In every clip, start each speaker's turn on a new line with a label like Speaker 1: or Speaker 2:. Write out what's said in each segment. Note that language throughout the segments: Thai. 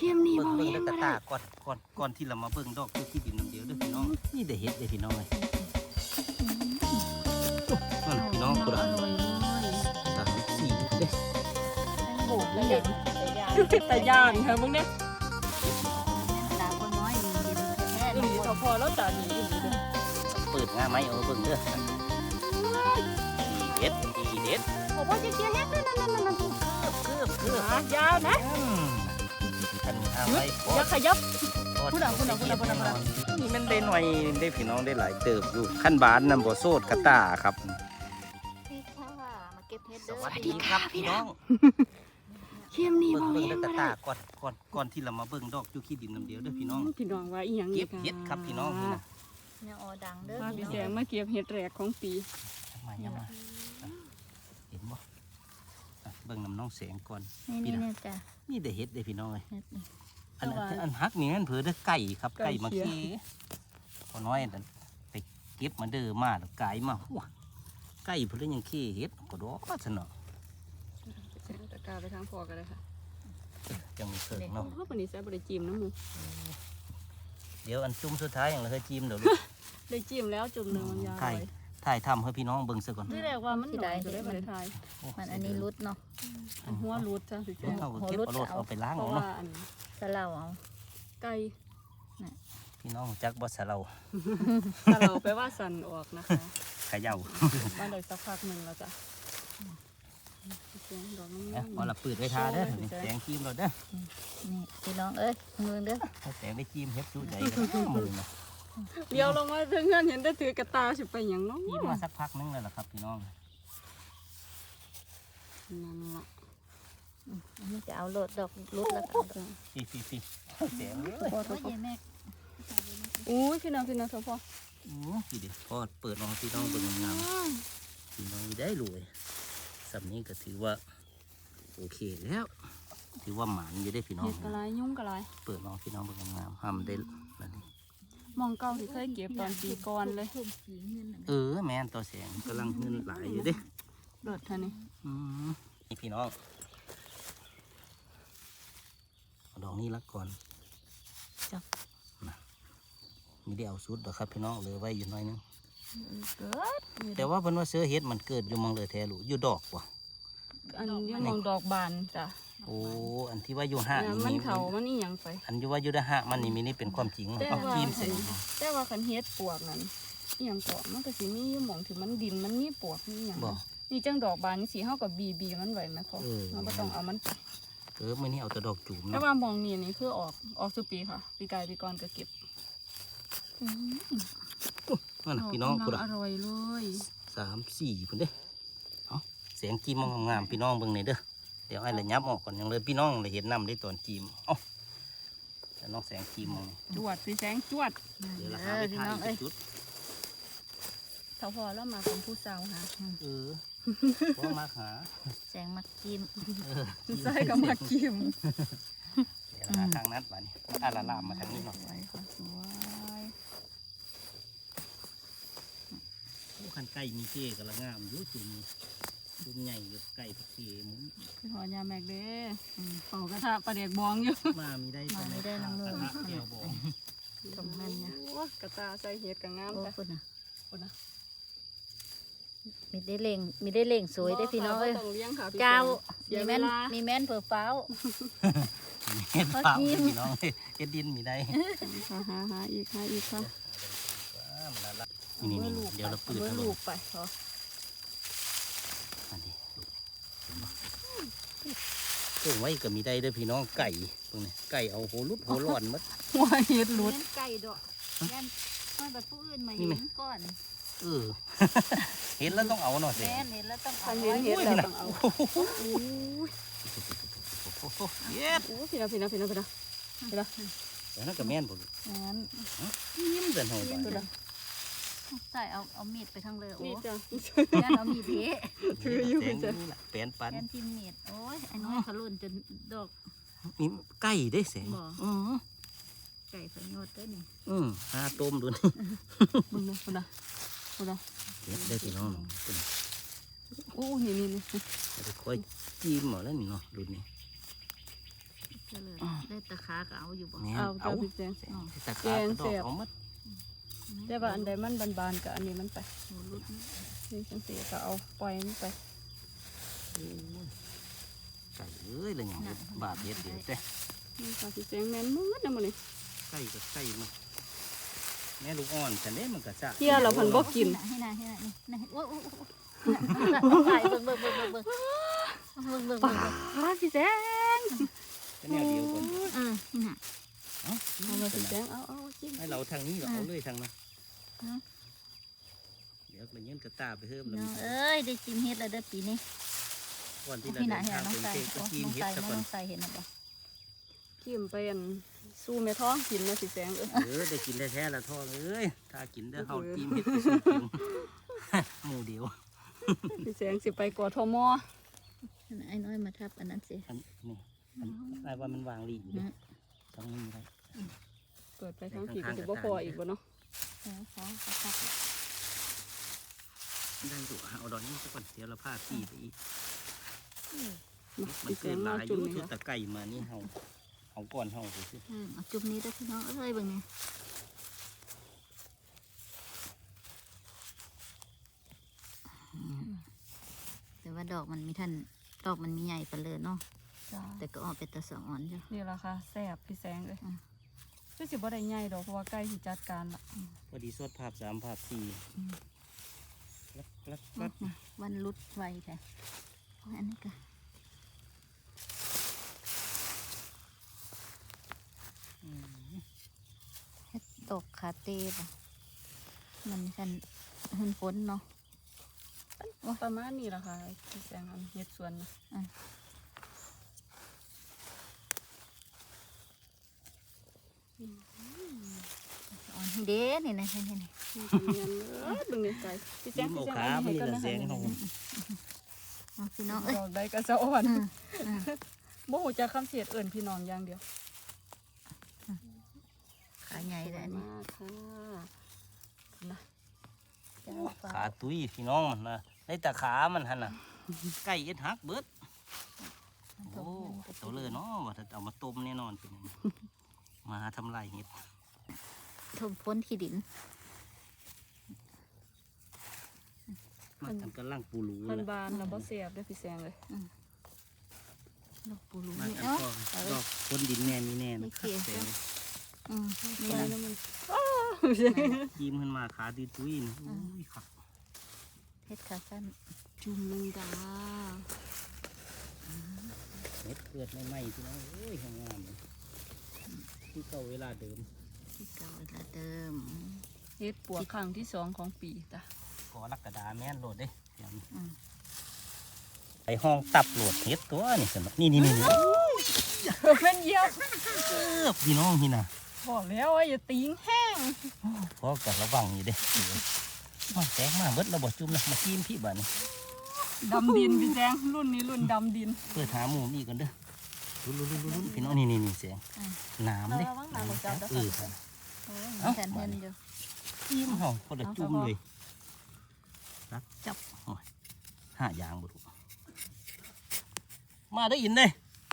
Speaker 1: เข้มนี่บ่
Speaker 2: เบิ่ง
Speaker 1: แม่
Speaker 2: เด้
Speaker 1: น
Speaker 2: อกระ
Speaker 1: บ่ได้
Speaker 2: ตาก่อนที่เรามาเบิ่งดอกอยู่ที่ดินน้ำเดียวเด้อพี่น้องนี่ได้เฮ็ดเด้อพี่น้องเลยนั่นพี่น้องกูละ3 4เด้
Speaker 3: โอ้แล้วอย่าง
Speaker 1: แต่ย่านเธอมึงเนี่ย
Speaker 3: ตาคนน้อยมีเย็นแท้
Speaker 1: อีหลีเขาพอแล้วจ่าหนีอีหลีเด้อ
Speaker 2: เปิดง่าไหมเอาเบิ่งเด้อดีเด็ดดีเด็ด
Speaker 1: โอ้พ่อเจี๊ยบเฮ็ดนั่น
Speaker 2: เกือบ
Speaker 1: หายาวนะ
Speaker 2: อันนี้ห้ามไว้
Speaker 1: อย่าขยับ
Speaker 2: พูดนี่มันได้หน่อยได้พี่น้องได้หลายเติบอยู่ขั้นบานนำบ่โซดกระตาครับ
Speaker 3: พี่ค่ะมาเก็บเห็ด
Speaker 2: ส
Speaker 3: เด้อ
Speaker 2: วัสดีครับพี่น้อง
Speaker 1: เข้มนี่บ่
Speaker 2: เบิ่ง
Speaker 1: แม่
Speaker 2: เด้อน ก
Speaker 1: บ่
Speaker 2: ระ
Speaker 1: ได้
Speaker 2: ตาก่อนที่เรามาเบิ่งดอกอยู่ที่ดินน้ำเดียวเด้อพี่น้อง
Speaker 1: พี่น้องว่าอีหยัง
Speaker 2: เก็บเห็ดครับพี่น้องนี่นะ
Speaker 3: เนี่ยออดังเด้อ
Speaker 1: มาพี่แสงมาเก็บเห็ดแรกของปี
Speaker 2: มาเห็นบ่เบิ่งน้ำน้องแสงก่อน
Speaker 3: นี่เนี่ยจ้ะ
Speaker 2: นี่ได้เห็ดได้พี่น้องเลย
Speaker 3: เห็ดนี่
Speaker 2: อันฮักนี่มันเผือได้ไก่ครับไก่มาเคีพอน้อยนั่นไปเก็บมาเด้อมาแล้วไก่มาหัวไก่เพิ่นยังขี้เห็ดก็ดอกซะเนาะ
Speaker 1: แสงตะกาไปทางพอกันเลยค่ะ
Speaker 2: จังมีเคิงเนาะ
Speaker 1: เพราะวันนี้แซ่บได้จิ้มน้ำมู
Speaker 2: เดี๋ยวอันจุ่มสุดท้ายอย่างเราเคยจิ้มเดี๋ยว
Speaker 1: ได้จิ้มแล้วจุ่มหนึ่งมันยาว
Speaker 2: ถ่ายทำให้พี่น้องเบิ่งซะก่อน
Speaker 1: ที่แรกว่ามันหน่อยก็ได้มาได้ทาย
Speaker 3: มันอันนี้รุดเนาะ
Speaker 1: หัวรูดจ้ะพี่แสง
Speaker 2: เอาเก็บเอารถเอาไปล้าง
Speaker 1: เพ
Speaker 2: เอา
Speaker 1: ราะว่า
Speaker 2: เนาะ
Speaker 1: อัน
Speaker 3: สะเลาเอา
Speaker 1: ไก่
Speaker 2: พี่น้องจักบ่สะเรา
Speaker 1: ถ้าเราไปว่าสั่นออกนะคะ
Speaker 2: เขย่า
Speaker 1: มาได้สักพักหนึ่งแล้วจ้ะเสียงดอกน้ำ
Speaker 2: เอาเอาละปืดไว้ทาเด้อนี่แสงจิ้มเราเด้อ
Speaker 3: นี่พี่น้องเอ้ยมือเด้อ
Speaker 2: ถ้าแสงได้จิ้มเฮ็ดสู้ใจกันมือนะ
Speaker 1: เดี๋ยวลงมาเพื่อนเห็นได้ถือกระตาสิไปอย่างน้อง
Speaker 2: จิ้มมาสักพักนึงแล้วล่ะครับพี่น้อง
Speaker 1: นั่นล่ะ
Speaker 3: อันนี้จะเอาโหลดดอกรุดแล้วก็
Speaker 2: พี่แสงเลย
Speaker 3: โอ้ยแม่
Speaker 1: อู้พี่น้องเถอะพ่อ
Speaker 2: พี่เดี๋ยวพอเปิดน้องพี่น้องเบิ่งงามๆพี่น้องได้รวยสำนี้ก็ถือว่าโอเคแล้วถือว่าหมานอยู่ได้พี่น้อง
Speaker 1: เห็ดกระไรยุ่งกระไร
Speaker 2: เปิดน้องพี่น้องเบิ่งงามๆห้ามได้นั่นนี่
Speaker 1: มองเก่าที่เคยเก็บตอนปีก่อนเลย
Speaker 3: ทุ่มสีเงิน
Speaker 2: แม่นตัวแสงกำลังเงินหลายอยู่เด้
Speaker 1: เดือดท่านี่
Speaker 2: นี่พี่น้องเอาดอกนี้ละก่อนจับนะมีได้เอาสุดดอกครับพี่น้องเหลือไว้อยู่น้อยนึง
Speaker 3: เกิด
Speaker 2: แต่ว่าเพิ่นว่าเสือเฮ็ดมันเกิดอยู่หมองเลยแท้ลูกอยู่ดอกว่ะ
Speaker 1: อันนี้มองดอกบานจ้ะ
Speaker 2: โอ้อันที่ว่าอยู่ห้าง
Speaker 1: น้ำมันเขามันนี่ยังไป
Speaker 2: อันที่ว่าอยู่ได้ห้างมันนี่เป็นความจริง
Speaker 1: แต่
Speaker 2: เอา
Speaker 1: ว่า
Speaker 2: ครีมใส่
Speaker 1: แต่ว่าขันเฮ็ดปวกนั่นอีหยังเกาะมันก็สิมีอยู่หม่องที่มันดินมันมีปวกนี่หยัง
Speaker 2: บ่
Speaker 1: นี่จังดอกบานนี่สิเฮากับบีมันไว้ไหมพ่อเราบ่ต้องเอามันไป
Speaker 2: มื้อนี้เอาแต่ดอกจูม
Speaker 1: แต่
Speaker 2: เนาะ
Speaker 1: ว่ามองนี่คือออกสุปีค่ะปีกายปีก่อนก็เก็บ
Speaker 2: นั่นน่ะพี่น้องพุ่น
Speaker 1: อร่อยเลย
Speaker 2: 3 4พุ่นเด้เอาแสงจิ้มงามๆพี่น้องเบิ่งหน่อยเด้อเดี๋ยวให้ระยับออกก่อนยังเลยพี่น้องเลยเห็นน้ำได้ตอนจิ้มเอ้าแต่น้องแสงจิ้มมอง
Speaker 1: จวดพี่แสงจวด
Speaker 2: เดี๋ยวราคาไป
Speaker 3: พี่
Speaker 2: ถ่าย
Speaker 3: น้อง
Speaker 2: อี
Speaker 3: เอ้ย
Speaker 2: กจุด
Speaker 1: เขาพอแล้วมาเป็นผู้สาวค่ะ
Speaker 2: บ่มาหา
Speaker 3: แสงมักกิม
Speaker 1: ใส่กับมากิม
Speaker 2: เดี๋ยวหาทางนัดมานี่อาลาลามมาทางนี้เนาะ
Speaker 1: สวยค่ะสวย
Speaker 2: คันไก่มีเก้กำลังงามอยู่จุ่มใหญ่อยู่ไก่ผักเกหมุน
Speaker 1: พี่หอยาแมกเด้เป่ากระทะปลาเด็กบองอยู่
Speaker 2: มามีได้
Speaker 3: มาไม่ได้น้ำมือ
Speaker 2: กระทะแก้วบอง
Speaker 3: ตรงนั้นเนี่ย
Speaker 1: กระตาใส่เห็ดกับงาม
Speaker 3: โอ้
Speaker 1: จ้ะ
Speaker 3: คุณนะ
Speaker 1: คนนะ
Speaker 3: มีได้เล่งสวยได้พี่น้องเอ้ย
Speaker 1: ต้องเลี้ยงค่ะพี่
Speaker 3: เจ้า
Speaker 1: เสี
Speaker 3: มี
Speaker 1: ยเว
Speaker 3: แม่น
Speaker 1: ลา
Speaker 3: มีแม่นเผือฟ้าว
Speaker 2: เฮ็ดเปล่าพี่น้องเฮ็ดดินมีได้
Speaker 1: หาอีกค่ะ
Speaker 2: นี่เดี๋ยวเราปืด
Speaker 3: เมื่อ
Speaker 2: เอาล
Speaker 3: ลู
Speaker 2: ง
Speaker 3: กไปเหรอ
Speaker 2: อันนี้เพิ่งไว้ก็มีได้เด้อพี่น้องไก่ตรงนี้ไก่เอาโหรุดโหร้อนมัด
Speaker 1: หัวเห็ดหลุด
Speaker 3: แม่นไก่ดอกแม่นมาแบบผู้อื่นมา
Speaker 2: นี่
Speaker 3: เห็
Speaker 2: ไหม
Speaker 3: นก่อน
Speaker 2: เห็นแล้วต้องเอาหน่อยสิ
Speaker 3: แม่นเห็นแล้วต้องเอา
Speaker 1: คัน
Speaker 3: ไว้
Speaker 1: เห็นเห็ดแล้วต้องเอา
Speaker 2: เย็ด
Speaker 1: โอ้พี่นะเดี๋ยว
Speaker 2: แล้วนั่นก็แม่นบ่ลูก
Speaker 3: แม่น
Speaker 2: ยิ้มเดินเฮาไป
Speaker 3: ใส่เอามีดไปทั้งเลยโอ้
Speaker 1: นี่จ้ะ
Speaker 3: แม่นเอามีดเทะ
Speaker 1: ถืออยู่
Speaker 2: แสง
Speaker 1: จ้ะ
Speaker 2: นี่ล่ะแปลนปัน
Speaker 3: แม่นทิมมีดโอ้ยอันนี้ขลุ่นจนดอก
Speaker 2: มีไก่ได้แสง
Speaker 3: บ่
Speaker 2: อือ
Speaker 3: ไก่สยดได้นี่
Speaker 2: หาต้มดูนี่
Speaker 1: มึงนะคนละ
Speaker 2: เฮ็ดได้พี่น้องเป็น
Speaker 1: โอ้นี่
Speaker 2: จะค่อยจิ้มเอาแล้วนี่เนาะดูนี่
Speaker 3: ก็เลยได้ตะไคร้ขาก็เอาอยู่บ่
Speaker 2: แม่น
Speaker 1: เอา
Speaker 2: เอา
Speaker 1: เจ้าพี่แจง
Speaker 2: เฮ็ดตะขาก็ดอกเอาหมด
Speaker 1: แต่ว่าอันใดมันบานๆกับอันนี้มันไป
Speaker 3: โอ้รุดนะ
Speaker 1: นี่จังสีก็เอาปล่อยมันไป
Speaker 2: ไก่เอ้ยเลยหยังบาปเฮ็ดเดี๋ยวแต่
Speaker 1: นี่ค่ะพี่แจงแม่นมืดนะมื้อนี้
Speaker 2: ไก่ก็ไก่มันแม่ลูกอ่อนฉันเด้มันก็จะ
Speaker 1: เที่ยเราเพิ่นบ่กิน
Speaker 3: ให้น่ะนี่โอ้โอ้ถ่ายเบิ่ง
Speaker 1: ป้าพี่แจง
Speaker 2: เป็นแนวเดียวกัน
Speaker 3: นี่น่ะ
Speaker 2: เอ้า
Speaker 1: เอามาพี่แจงเอาจิ้ม
Speaker 2: ให้เราทางนี้เราเอาเลยทางนั้นเดี๋ยวเราเงินกระตาไปเพิ่มแล้ว
Speaker 3: น้องเอ้ยได้จิ้มเฮ็ดแล้วเด้อปีนี้
Speaker 2: ก่อนที่เรา
Speaker 3: พี่
Speaker 2: เดิ
Speaker 3: น่ะ
Speaker 2: น
Speaker 3: เห็น
Speaker 2: ทาง
Speaker 3: น้อง
Speaker 2: เป็น
Speaker 3: ใส่
Speaker 2: เค้กก็กิน
Speaker 3: น้อง
Speaker 2: เฮ็ด
Speaker 3: ใส่
Speaker 2: ซะ
Speaker 3: น้
Speaker 2: ก่อน
Speaker 3: องใส่เห็นบ่
Speaker 1: จิ้มไปอันสู้แม่ท้องกินนะพี่แจง
Speaker 2: ได้กินแท้ๆละท้องเอ้ยถ้ากินได้เฮากินเฮ็ดไปสู้กินหมู่เดียว
Speaker 1: พี่แจงสิไปกทม
Speaker 3: ไอ้น้อยมาทับอันนั้นสิ
Speaker 2: อันนี้ไอ้ว่ามันวางลีอยู่เด้ต้องนี่ได้
Speaker 1: เปิดไปทั้งผีก็สิบ่พออีกบ่เนาะ
Speaker 3: ขอทับ
Speaker 2: ได้ดูเอาดอกนี้ซะก่อนเดี๋ยวเราพาพี่ไปอีก
Speaker 1: มา
Speaker 2: มัน
Speaker 1: พี่แจ
Speaker 2: เกิ
Speaker 1: ง
Speaker 2: นห
Speaker 1: มา
Speaker 2: ลายอ
Speaker 1: จุ่ม
Speaker 2: ยู่
Speaker 1: นี่
Speaker 2: ชุด
Speaker 1: ค่ะ
Speaker 2: ตะไก่มานี่เฮาเอาก่อนเฮาไปสิ
Speaker 3: เอาจุ่มนี้เด้อพี่น้องเอ้ยเบิ่งนี่แต่ว่าดอกมันมีท่านดอกมันมีใหญ่ปานเลยเนาะ
Speaker 1: จ้า
Speaker 3: แต่ก็ออกเป็นตะสะอ่อนจ้ะ
Speaker 1: นี่ล่ะค่ะแซ่บพี่แจงเลยคือสิบ่ได้ใหญ่ดอกเพราะว่าใกล้สิจัดการละ
Speaker 2: พอดีสดภาพ3ภาพ4ลัก
Speaker 3: วันรุดไวแท้อันนี้ก็เฮ็ดดอกคาเต้ป่ะมันกันหุ่นฝนเนาะ
Speaker 1: ประมาณนี้ล่ะค่ะพี่แจงอันเฮ็ดสวนนะ
Speaker 3: อ่อนเด้นี่นะนี่
Speaker 1: นี่เนียนเลยเบิ่งนี่ไก่พี่แจง
Speaker 2: ๆ
Speaker 1: พี่
Speaker 2: เอา
Speaker 1: แจง
Speaker 2: ขา
Speaker 1: เอา
Speaker 2: มัน
Speaker 1: ให้
Speaker 2: นี่
Speaker 1: ก่อน
Speaker 2: ละ
Speaker 1: นะ
Speaker 2: แส
Speaker 1: คะ
Speaker 2: งเฮา
Speaker 3: เอาพี่น้องเอ้ย
Speaker 1: ดอกใดก็สะอ่อนบ่ฮู้จักคำเสียดเอิ้นพี่น้องอย่างเดียว
Speaker 3: ขาใหญ่เลยอัน
Speaker 1: มา
Speaker 3: นี้
Speaker 1: กค่ะนะ
Speaker 2: ขาตุ้ยพี่น้องมันนะได้แต่ขามันหั่นน่ะไก่เอ็ดฮักเบิดโอ้ตัวเลยเนาะว่าถ้าเอามาต้มแน่นอนเป็นอย่างนี้มาทำลายเห็ด
Speaker 3: ทมพ้นขี้ดิน
Speaker 2: มาทำกระลังปูรู
Speaker 1: มัน
Speaker 2: แล้ว
Speaker 1: บานแล้วบ่เสียบเด้อพี่แซงเลย
Speaker 3: ดอกปูรู
Speaker 2: มา
Speaker 3: นี่
Speaker 2: ทำ
Speaker 3: เนาะ
Speaker 2: ก็ดอกคนดินแน่มีแน่
Speaker 3: ไม่
Speaker 2: นะ
Speaker 3: เกี่ยว
Speaker 2: แต่
Speaker 3: นี่
Speaker 1: ไป
Speaker 3: นะ
Speaker 1: แล้วมัน
Speaker 2: ยิ้มขึ้นมาขาตุ้ยตุ้ยนะอุ้ยครับ
Speaker 3: เฮ็ดขาสั้น
Speaker 1: จุ่มนึงดา
Speaker 2: เห็ดเกิดไม่ไหม้พี่น้องเอ้ยงามเลยที่เก่าเวลาเดิม
Speaker 3: ที่เก่าเวลาเดิม
Speaker 1: เฮ็ดปวกครั้งที่2ของปีจ้ะ
Speaker 2: ก็รักกระดาแม่นโหลดเด้เดี๋ยวนี้
Speaker 3: อืม
Speaker 2: ไอห้องตับโหลดเห็ดตัวนี่สนนี่นี่
Speaker 1: เป็นเหยียบ
Speaker 2: พี่น้องนี่นะ
Speaker 1: บอกแล้วว่าอย่าติงแห้ง
Speaker 2: เพราะกับระวังอยู่เด้มาแตกมาเบิดเราบ่จุ่มนะมากินพี่บ้านนี่
Speaker 1: ดำดินพี่แจงรุ่นนี้รุ่นดำดิน
Speaker 2: เปิดหาหมูนี่กันเด้อลุ้นพี่น้องนี่เสียงน้ำเด้ครับ
Speaker 3: มีแทนเงินอยู่
Speaker 2: จิ้มเฮาพอได้จุ่มเลยรักจับโอ้ยห้ายางบ่ถูกมาได้ยินเด้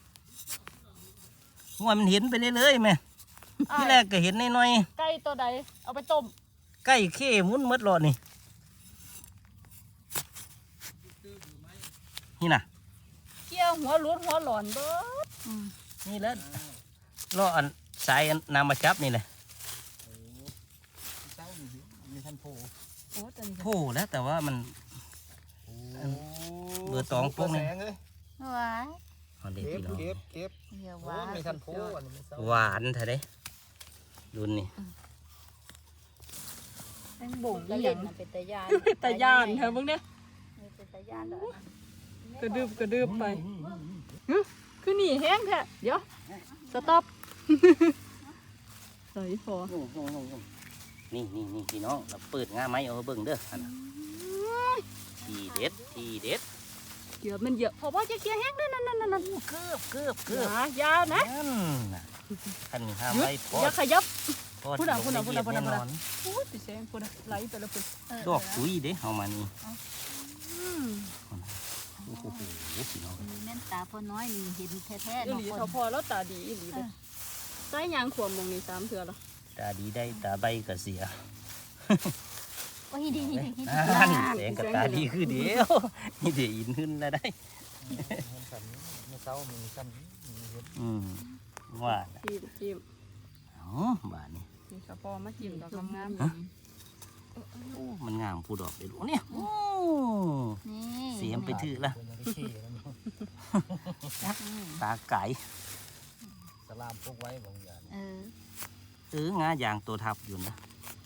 Speaker 2: ว่ามันเห็นไปเลยๆแม่ที่แรกก็เห็นน้อย
Speaker 1: ไก่ตัวใดเอาไปต้ม
Speaker 2: ๆใกล้เข้มุนหมดรอดนี่นี่น่ะ
Speaker 1: เกี่ยวหัวรุดหัวหลอนเบิด
Speaker 2: นี่แหละรออันสายอันนำมาจับนี่แหละ
Speaker 1: โอ้ตัวนี้
Speaker 2: โผล่แล้วแต่ว่ามันเบอร์ตองพวกนี้
Speaker 3: ว้าย
Speaker 2: เอาเด็ด
Speaker 4: เก็บ
Speaker 2: พี่น้อง
Speaker 4: เก็บเก็บ
Speaker 3: เดี๋ยว
Speaker 4: โอ้
Speaker 3: ว้าย
Speaker 4: ไม่ทันโพอันนี้ไม่เศร้า
Speaker 2: หวานเถอะเด้รุ่นนี่
Speaker 1: แตงบ่ง
Speaker 3: ตะ
Speaker 1: อีห
Speaker 3: เล่
Speaker 1: ยั
Speaker 3: น
Speaker 1: ง
Speaker 3: มันเป็นตะยาน
Speaker 1: ตะย่านเธอเบิ่งเนี่ย
Speaker 3: เป็นตะยานดอกนะ
Speaker 1: กระดืบไปหึคือหนีแห้งแท้เดี๋ยวสต็อปใส่พอ
Speaker 2: นี่พี่น้องเราเปิดง่าไม้เอาเบิ่งเด้ออันน่ะทีเด็ด
Speaker 1: เกือบมันเหยียบพอจะเกี่ยวแห้งด้วยนั่น
Speaker 2: เกือบ
Speaker 1: ยานะ
Speaker 2: นั่นน่ะขันห้าม
Speaker 1: หยุด
Speaker 2: ไว้พอ
Speaker 1: อย่าขยับ
Speaker 2: พอ
Speaker 1: พูดอ่ะ
Speaker 2: ลง
Speaker 1: พูดอ่ะ
Speaker 2: ในเหยียบ
Speaker 1: พูดอ่ะ
Speaker 2: แน่นอน
Speaker 1: โอ้ยพี่แซงพูดอะไหลไปแล้วพุ่น
Speaker 2: ดอกตุ้ยเด้เฮามานี่
Speaker 1: อืม
Speaker 2: โอ้โหพี่น้อง
Speaker 3: มีแม่นตาพอน้อยนี่เห็นแท้ๆ
Speaker 1: อี
Speaker 3: เนาะ
Speaker 1: หลี
Speaker 3: คน
Speaker 1: เขาพอแล้วตาดีอีหลีเลยใส่ยางขวมมองนี่3เทื่อแล้ว
Speaker 2: ตาดีได้ตาใบก็เสีย
Speaker 3: โอ้ยดี
Speaker 2: นั่นแสงกับตาดีคือเดียวนี่เดี๋ยวอินขึ้นแล้วได้ว่าน่ะ
Speaker 1: จิ้ม
Speaker 2: อ๋อบ้านนี้
Speaker 1: นี่ก็พอมาจิ้มดอกงาม
Speaker 2: โอ้มันงามผู้ดอกเดี๋ยวรู้เนี่ยโอ้
Speaker 3: นี่
Speaker 2: เสียมไปถือละตาไก่
Speaker 4: สลามพวกไว้บางอย่าง
Speaker 2: งายางตัวทับอยู่นะ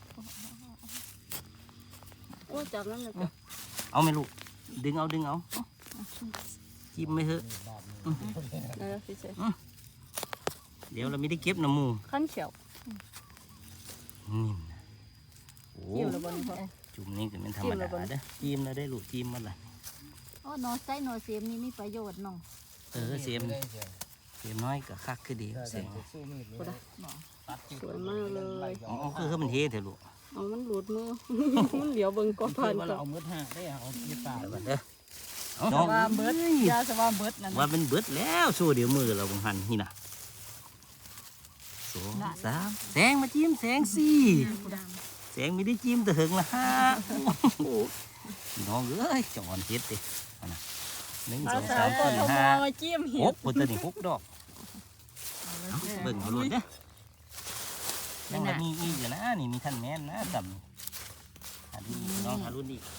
Speaker 1: ๆโอ้จับนั่นเลยจ้ะ
Speaker 2: เอาไหม่ลูกดึงเอาจิ้มไม่เถอะ
Speaker 1: พี่เสก
Speaker 2: เดี๋ยวเราไม่ได้เก็บน้ำมู
Speaker 1: ขั้นเขียว
Speaker 2: นี่นะโอ้
Speaker 1: จิ้มแล้วบ่นี่พอ
Speaker 2: จุ่มนี่ก็เป็นธรรมดาเด้อจิ้มแล้วได้ลูกจิ้มมันละ
Speaker 3: โอ้หนอไส้หนอเสียมนี่มีประโยชน์น้อง
Speaker 2: เสียมน้อยก็คักคือดีเสียม
Speaker 4: สู้มีดเลยตัดจิ้
Speaker 1: สวยมากเลย
Speaker 2: อ๋อคือมันเทเถอะลูก
Speaker 1: เอามันหลุดมือ มันเหลียวเบิ่งก่อน
Speaker 4: เพื่
Speaker 1: ผ่า
Speaker 4: อน ว่า
Speaker 1: ก่อ
Speaker 4: เรา
Speaker 1: น
Speaker 4: เอามืดห่าได้เอามีดตา
Speaker 2: เดี๋ยวก่อนเด้อ
Speaker 1: สว่าเบิดยาสว่าเบิดนั่น
Speaker 2: ว่าเป็นเบิดแล้วสู้เดี๋ยวมือเราบังหันนี่นะสองสามแสงมาจิ้มแสงสี่แสงไม่ได้จิ้มแต่หึงละห้าโอ้พี่น้องเอ้ยจอนเฮ็ดดิเอานะหนึ่งสอง
Speaker 1: สา
Speaker 2: สาว ม
Speaker 1: ก
Speaker 2: สี่
Speaker 1: ทม
Speaker 2: ห้า
Speaker 1: จิ้ม
Speaker 2: ห
Speaker 1: เห็ด
Speaker 2: กคนตัวนี้หกดอกเอาเบิ่งเอาโลดเด้อยังมีอีกอยู่นะนี่มีท่านแม่นนะดำหารุ่นอีกน้องหารุ่นอีก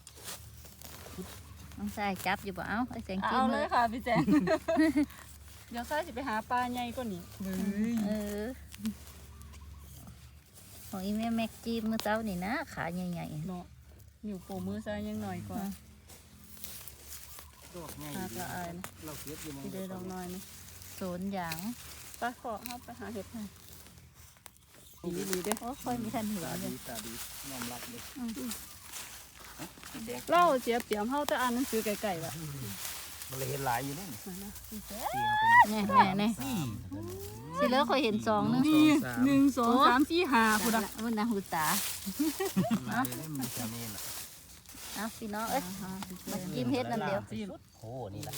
Speaker 3: น้องชายจับอยู่บ่เอาไอ้แสงจิ้
Speaker 1: เอา
Speaker 3: ม
Speaker 1: เล
Speaker 3: เลย ย
Speaker 1: ค่ะพี่แจงเดี๋ยวซ้ายสิไปหาปลาใหญ่กว่านี้
Speaker 3: ของอีแม่แม็กจิ้มมื้อเช้านี่นะขาใหญ่
Speaker 1: เนาะอยู่โปมือซ้ายยังหน่อยกว่า
Speaker 2: ดอกใหญ่
Speaker 1: หากละอายนะ
Speaker 2: เราเก็บอยู่
Speaker 1: พี่เดดอกน้อยนะ
Speaker 3: ๆโซนอย่าง
Speaker 1: ไปขอเข้าไปหาเห็ดให้ดีเด้อ
Speaker 3: โอ้ค่อยมีทันหัว
Speaker 4: ตา
Speaker 3: เล
Speaker 4: ดี
Speaker 3: ย
Speaker 4: ตาดียอมรับเลย
Speaker 1: เล่าเสียเปรียมเฮาแต่อ่านหนังสือไกลๆว่ะ
Speaker 4: มันเลยเห็นหลายอยู่นี่
Speaker 3: แน่สิเลิกค่อยเห็น2นึง
Speaker 1: นี่1 2 3 4 5พุ่นน่ะ
Speaker 3: มันน่ะหูตา
Speaker 4: มันจะมีน่ะ
Speaker 3: เอาพี่น้องเอ้ยมาจิ้มเฮ็ดนั่นเดียว
Speaker 2: โอ้นี่แหละ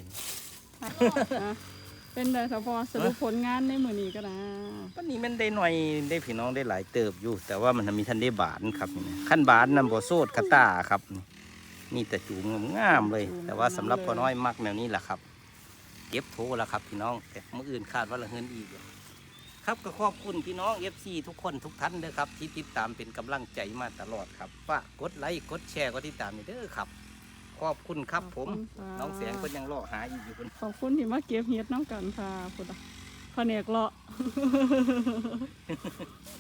Speaker 1: เป็นได้ค่ะพอสรุปผลงานในมื้อนี้ก็นะ
Speaker 2: วันนี้มันได้หน่อยได้พี่น้องได้หลายเติบอยู่ แต่ว่ามันมีท่านได้บานครับนี่ขั้นบานนำบ่โซดกระตาครับนี่แต่จูงงามๆเลย แต่ว่าสำหรับพ่อน้อยมักแนวนี้แหละครับเก็บโถแล้วครับพี่น้องแต่มื้ออื่นคาดว่าละเฮินอีกอยู่ครับก็ขอบคุณพี่น้อง FC ทุกคนทุกท่านเด้อครับที่ติดตามเป็นกำลังใจมาตลอดครับฝากกดไลค์กดแชร์ก็ติดตามนี่เด้อครับขอบคุณครับผมน้องแสงเพิ่นยังรอหาอีกอยู่เพิ่น
Speaker 1: ขอบคุณที่มาเก็บเห็ดน้ำกันค่ะพุ่นน่ะแผนกเลาะ